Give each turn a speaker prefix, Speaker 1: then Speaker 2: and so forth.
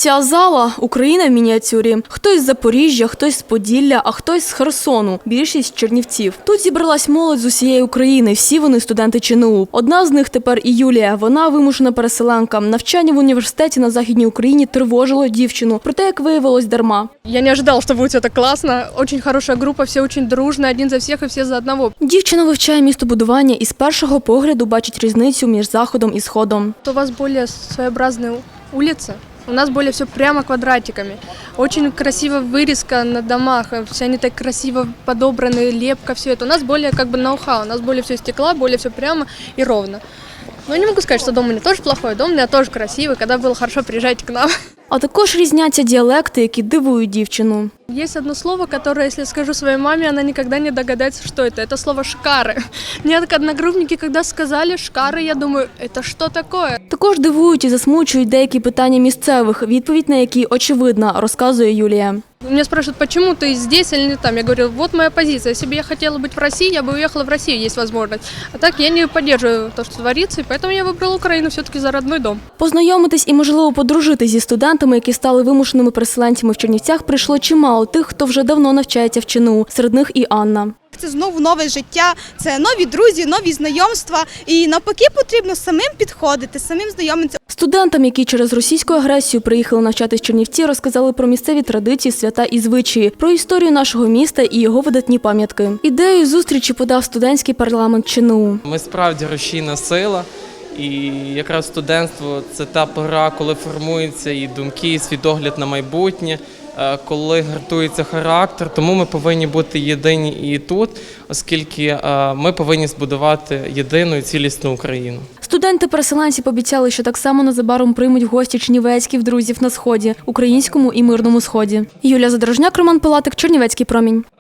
Speaker 1: Ця зала – Україна в мініатюрі. Хтось з Запоріжжя, хтось з Поділля, а хтось з Херсону. Більшість – Чернівців. Тут зібралась молодь з усієї України. Всі вони – студенти ЧНУ. Одна з них тепер і Юлія. Вона вимушена переселенка. Навчання в університеті на Західній Україні тривожило дівчину. Проте, як виявилось, дарма.
Speaker 2: Я не ожидала, что будет все так классно. Очень хорошая группа, все очень дружно, один за всех и все за одного.
Speaker 1: Дівчина вивчає містобудування і з першого погляду бачить різницю між Заходом і Сходом.
Speaker 2: У вас более своеобразные улицы. У нас более все прямо квадратиками. Очень красиво вырезка на домах, все они так красиво подобраны, лепка, все это. У нас более как бы ноу-хау, у нас более все стекла, более все прямо и ровно. Но я не могу сказать, что дом у меня тоже плохой, дом у меня тоже красивый. Когда было хорошо, приезжайте к нам.
Speaker 1: А також різняться діалекти, які дивують дівчину.
Speaker 2: Есть одно слово, которое, если скажу своей маме, она никогда не догадается, что это. Это слово «шкары». Мне одногруппники, когда сказали «шкары», я думаю, это что такое?
Speaker 1: Також дивують і засмучують деякі питання місцевих, відповідь на які очевидна, розказує Юлія.
Speaker 2: Меня спрашивают, почему ты здесь или не там? Я говорю, вот моя позиция. Если бы я хотела быть в России, я бы уехала в Россию, есть возможность. А так я не поддерживаю то, что творится, и поэтому я выбрала Украину все-таки за родной дом.
Speaker 1: Познайомитись і, можливо, подружити зі студентами, які стали вимушеними переселенцями в Чернівцях, прийшло чимало тих, хто вже давно навчається в ЧНУ. Серед них і Анна.
Speaker 3: Це знову нове життя, це нові друзі, нові знайомства. І навпаки потрібно самим підходити, самим знайомитися.
Speaker 1: Студентам, які через російську агресію приїхали навчатись в Чернівці, розказали про місцеві традиції, свята і звичаї, про історію нашого міста і його видатні пам'ятки. Ідею зустрічі подав студентський парламент ЧНУ.
Speaker 4: Ми справді рушійна сила, і якраз студентство – це та пора, коли формуються і думки, і світогляд на майбутнє, коли гартується характер. Тому ми повинні бути єдині і тут, оскільки ми повинні збудувати єдину і цілісну Україну.
Speaker 1: Студенти-переселенці пообіцяли, що так само незабаром приймуть в гості чернівецьких друзів на Сході, українському і мирному Сході. Юлія Задорожняк, Роман Пилатик, Чернівецький промінь.